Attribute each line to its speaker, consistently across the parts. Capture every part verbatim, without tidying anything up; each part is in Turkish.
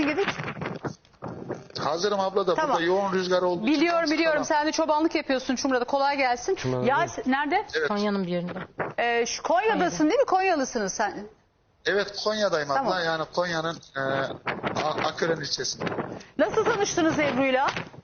Speaker 1: Gedik?
Speaker 2: Hazırım abla da
Speaker 1: Tamam.
Speaker 2: burada yoğun rüzgar olduğu için
Speaker 1: Biliyorum
Speaker 2: tam
Speaker 1: biliyorum.
Speaker 2: sıkılamam.
Speaker 1: Sen de çobanlık yapıyorsun Çumra'da. Kolay gelsin.
Speaker 3: Çumra'da
Speaker 1: Ya
Speaker 3: değil.
Speaker 1: nerede?
Speaker 2: Evet.
Speaker 4: Konya'nın bir yerinde.
Speaker 1: Ee, şu Konya'dasın değil mi? Konyalısınız sen.
Speaker 2: Evet Konya'dayım
Speaker 1: Tamam.
Speaker 2: abla. Yani Konya'nın e, A- Akören ilçesinde.
Speaker 1: Nasıl tanıştınız Ebru'yla?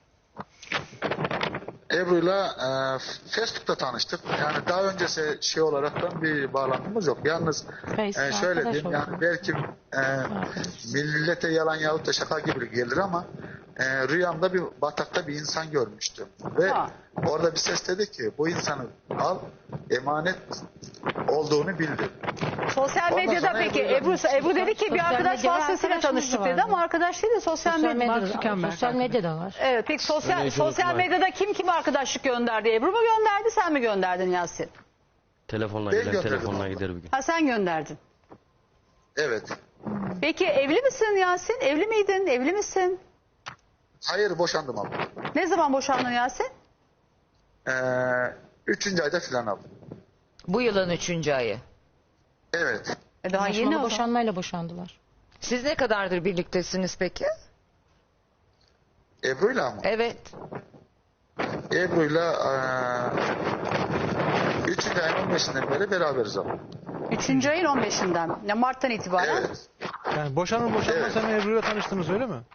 Speaker 2: Ebru'yla e, Facebook'ta tanıştık. Yani daha öncesi şey olaraktan bir bağlantımız yok. Yalnız
Speaker 4: Face,
Speaker 2: e, şöyle
Speaker 4: arkadaş
Speaker 2: diyeyim yani
Speaker 4: olduk.
Speaker 2: belki e, millete yalan yahut da şaka gibi gelir ama e, rüyamda bir batakta bir insan görmüştüm. Ve
Speaker 1: Ha.
Speaker 2: orada bir ses dedi ki bu insanı al, emanet olduğunu bildir.
Speaker 1: Sosyal
Speaker 2: Ondan
Speaker 1: medyada
Speaker 2: sonra
Speaker 1: peki
Speaker 2: Ebru'yla
Speaker 1: Ebru, Ebru dedi ki bir
Speaker 4: Sosyal
Speaker 1: arkadaş
Speaker 4: medyada
Speaker 1: vasıtasıyla
Speaker 4: arkadaşımız
Speaker 1: tanıştık
Speaker 4: da
Speaker 1: dedi
Speaker 4: vardı.
Speaker 1: ama arkadaş değil de sosyal,
Speaker 4: Sosyal
Speaker 1: medya.
Speaker 4: medyada, sosyal medyada var.
Speaker 1: Evet peki sosyal,
Speaker 3: Öyle
Speaker 1: sosyal
Speaker 3: çocuk var.
Speaker 1: medyada kim kim arkadaşlık gönderdi? Ebru mu gönderdi sen mi gönderdin Yasin?
Speaker 3: Telefonla
Speaker 2: Ben
Speaker 3: gider,
Speaker 2: gönderdim
Speaker 3: telefonla
Speaker 2: abla.
Speaker 3: gider bir gün.
Speaker 1: Ha sen gönderdin.
Speaker 2: Evet.
Speaker 1: Peki evli misin Yasin? Evli miydin? Evli misin?
Speaker 2: Hayır boşandım abla.
Speaker 1: Ne zaman boşandın Yasin?
Speaker 2: E, üçüncü ayda filan abla.
Speaker 5: Bu yılın üçüncü ayı.
Speaker 2: Evet.
Speaker 1: E daha yeni
Speaker 4: Boşanma,
Speaker 1: o zaman.
Speaker 4: boşanmayla boşandılar.
Speaker 5: Siz ne kadardır birliktesiniz peki?
Speaker 2: Ebru'yla mı?
Speaker 5: Evet.
Speaker 2: Ebru'yla eee üçüncü ayın on beşinden beri beraberiz ama.
Speaker 1: Üçüncü ayın on beşinden. Ya Mart'tan itibaren.
Speaker 2: Evet.
Speaker 6: Yani boşanır boşanmaz
Speaker 2: Evet.
Speaker 6: hemen Ebru'yla tanıştınız öyle mi?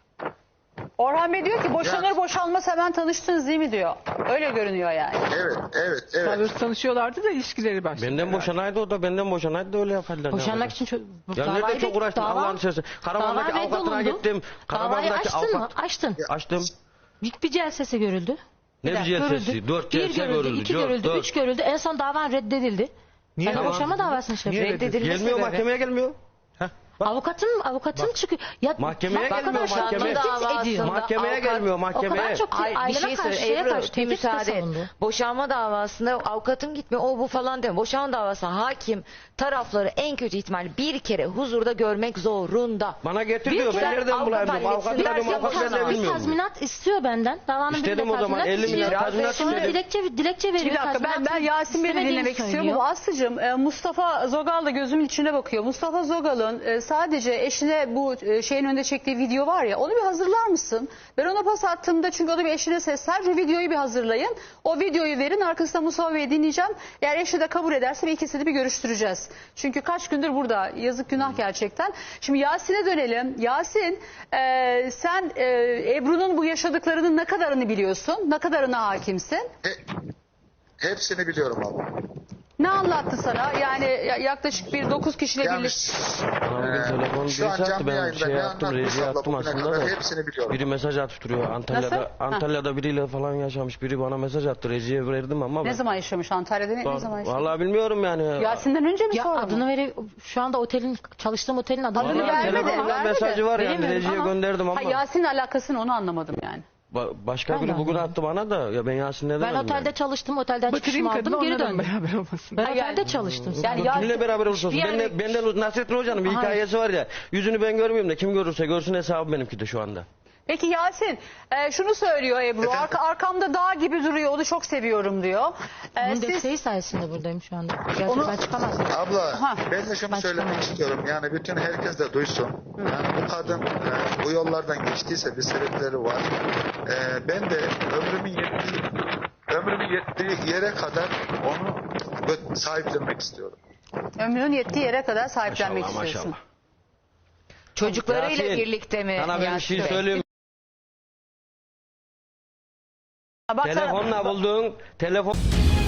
Speaker 1: Orhan Bey diyor ki boşanır
Speaker 2: Ya.
Speaker 1: boşanmaz hemen tanıştınız değil mi diyor. Öyle görünüyor yani.
Speaker 2: Evet, evet, evet.
Speaker 7: Daha tanışıyorlardı da ilişkileri başladı.
Speaker 3: Benden boşanaydı o da benden boşanaydı da öyle yaparlar.
Speaker 4: Boşanmak için çok...
Speaker 3: Ya nerede çok uğraştım Allah'ın sözü. Karavandaki
Speaker 4: dava
Speaker 3: avukatına
Speaker 4: reddolundu.
Speaker 3: gittim.
Speaker 4: Davayı
Speaker 3: Karavandaki
Speaker 4: açtın mı?
Speaker 3: avukat.
Speaker 4: Açtın.
Speaker 3: Açtım.
Speaker 4: İlk bir celsesi görüldü.
Speaker 3: Ne
Speaker 4: dakika,
Speaker 3: bir celsesi? Dört
Speaker 4: Bir
Speaker 3: celse
Speaker 4: görüldü,
Speaker 3: görüldü.
Speaker 4: iki
Speaker 3: Dört,
Speaker 4: görüldü,
Speaker 3: dört.
Speaker 4: üç görüldü. En son davan reddedildi.
Speaker 6: Niye?
Speaker 4: Sen de boşanma davasını şey
Speaker 6: Niye
Speaker 4: yapıyorsun.
Speaker 6: reddedildi?
Speaker 5: Reddedilme
Speaker 3: Gelmiyor
Speaker 5: sebebi.
Speaker 3: mahkemeye gelmiyor.
Speaker 4: Avukatım, avukatım çıkıyor. Ya,
Speaker 3: Mahkemeye
Speaker 4: bak, o
Speaker 3: gelmiyor,
Speaker 4: kadar çok
Speaker 3: mahkemeye.
Speaker 4: tehdit
Speaker 5: Davasında
Speaker 4: ediyor.
Speaker 3: Mahkemeye
Speaker 5: avukat-
Speaker 3: gelmiyor
Speaker 4: O
Speaker 3: mahkemeye.
Speaker 4: kadar çok
Speaker 5: Ay, bir
Speaker 4: aileme
Speaker 5: şey
Speaker 4: karşı,
Speaker 5: söyle
Speaker 4: şeye
Speaker 5: Ebru,
Speaker 4: karşı
Speaker 5: bir
Speaker 4: tehdit
Speaker 5: müsaade et.
Speaker 4: savundu.
Speaker 5: Boşanma davasında avukatım gitmiyor o bu falan demiyor. Boşanma davası hakim tarafları en kötü ihtimal bir kere huzurda görmek zorunda.
Speaker 3: Bana getir
Speaker 5: Bir
Speaker 3: diyor. Ben
Speaker 5: kere
Speaker 3: nereden bulayım diyorum.
Speaker 5: avukat
Speaker 3: Avukat
Speaker 5: halletsin
Speaker 3: dedim
Speaker 5: derse
Speaker 3: avukat ben de
Speaker 5: boşanamaz.
Speaker 4: Bir
Speaker 3: bilmiyorum.
Speaker 4: tazminat istiyor benden. Davanın
Speaker 3: İstedim
Speaker 4: birine
Speaker 3: o zaman,
Speaker 4: tazminat
Speaker 3: elli
Speaker 4: istiyor.
Speaker 3: milyar tazminat
Speaker 4: Sonra
Speaker 3: istedim.
Speaker 4: dilekçe, dilekçe veriyor.
Speaker 1: Bir dakika ben, ben
Speaker 4: tazminat
Speaker 1: Yasin Bey'i de
Speaker 4: istemediğini
Speaker 1: dinlemek
Speaker 4: söylüyor.
Speaker 1: istiyorum. Aslı'cığım e, Mustafa Zogal da gözümün içine bakıyor. Mustafa Zogal'ın e, sadece eşine bu e, şeyin önünde çektiği video var ya onu bir hazırlar mısın? Ben ona pas attığımda çünkü o da bir eşine ses sadece videoyu bir hazırlayın. O videoyu verin arkasında Mustafa Bey'i dinleyeceğim. Eğer eşi de kabul ederse bir ikisini bir görüştüreceğiz. Çünkü kaç gündür burada yazık günah gerçekten. Şimdi Yasin'e dönelim. Yasin e, sen e, Ebru'nun bu yaşadıklarının ne kadarını biliyorsun? Ne kadarına hakimsin?
Speaker 2: He, hepsini biliyorum abla.
Speaker 1: Ne anlattı sana? Yani ya- yaklaşık bir dokuz kişiyle
Speaker 2: Yani
Speaker 1: birlikte.
Speaker 3: Bana bugün telefon
Speaker 2: şu an
Speaker 3: birisi attı.
Speaker 2: canlı
Speaker 3: Ben
Speaker 2: yayında
Speaker 3: şey
Speaker 2: ne
Speaker 3: yaptım,
Speaker 2: anlatmış
Speaker 3: reji
Speaker 2: abla
Speaker 3: attım
Speaker 2: bugüne
Speaker 3: aslında
Speaker 2: kadar
Speaker 3: da.
Speaker 2: hepsini biliyorum.
Speaker 3: Biri mesaj atıp duruyor. Antalya'da
Speaker 1: Nasıl?
Speaker 3: Antalya'da biriyle falan yaşamış. Biri bana mesaj attı. Rejiye verdim ama
Speaker 1: Ne
Speaker 3: ben.
Speaker 1: zaman yaşamış Antalya'da? Ne, ne zaman yaşamış?
Speaker 3: Vallahi bilmiyorum yani.
Speaker 1: Yasin'den önce mi
Speaker 4: Ya
Speaker 1: sonra
Speaker 4: adını
Speaker 1: mı?
Speaker 4: veri şu anda otelin çalıştığım otelin adını
Speaker 1: Adını
Speaker 3: Vallahi
Speaker 1: vermedi,
Speaker 3: telefonda
Speaker 1: vermedi.
Speaker 3: mesajı var yani.
Speaker 4: Veremiyorum
Speaker 3: Rejiye
Speaker 4: ama-
Speaker 3: gönderdim ama.
Speaker 1: Ha, Yasin'le alakasını onu anlamadım yani.
Speaker 3: Ba- başka
Speaker 4: Ben
Speaker 3: biri
Speaker 4: de
Speaker 3: bugün
Speaker 4: anlamadım.
Speaker 3: attı bana da. Ya ben Yasin ne
Speaker 4: Ben
Speaker 3: demedim
Speaker 4: otelde
Speaker 3: yani.
Speaker 4: çalıştım. Otelden
Speaker 7: Batırayım
Speaker 4: çıkışımı
Speaker 7: kadını
Speaker 4: aldım. Geri
Speaker 7: onların
Speaker 4: döndüm.
Speaker 7: beraber olmasın.
Speaker 4: Ben
Speaker 1: Ha, yani-
Speaker 4: otelde çalıştım.
Speaker 1: Yani ya-
Speaker 3: Kiminle beraber olursa olsun.
Speaker 1: Hiçbir
Speaker 3: Benden,
Speaker 1: yerde-
Speaker 3: benden Nasrettin Hoca'nın bir
Speaker 4: Hayır.
Speaker 3: hikayesi var ya. Yüzünü ben görmüyorum da kim görürse görsün hesabı benimki de şu anda.
Speaker 1: Peki Yasin e, şunu söylüyor Ebru.
Speaker 2: Efendim?
Speaker 1: Arka, arkamda dağ gibi duruyor. Onu çok seviyorum diyor. E,
Speaker 4: Onun
Speaker 1: siz
Speaker 4: desteği sayesinde buradayım şu anda. Gerçi
Speaker 1: Onu-
Speaker 4: ben çıkamazdım.
Speaker 2: Abla
Speaker 1: Ha.
Speaker 2: ben de şunu
Speaker 4: Ben
Speaker 2: söylemek
Speaker 4: çıkamam.
Speaker 2: istiyorum. Yani bütün herkes de duysun. Yani bu kadın e, bu yollardan geçtiyse bir sebepleri var. E, ben de ömrümün yettiği, ömrümün yettiği yere kadar onu gö- sahiplenmek istiyorum.
Speaker 1: ömrünün yettiği yere kadar sahiplenmek
Speaker 3: Maşallah
Speaker 1: istiyorsun.
Speaker 3: maşallah.
Speaker 5: Çocuklarıyla
Speaker 3: Yasin,
Speaker 5: birlikte mi?
Speaker 3: Sana ben bir
Speaker 5: Yasin
Speaker 3: şey
Speaker 5: Bey?
Speaker 3: söyleyeyim.
Speaker 1: Ha, bak sana-
Speaker 3: Telefonla bulduğun telefon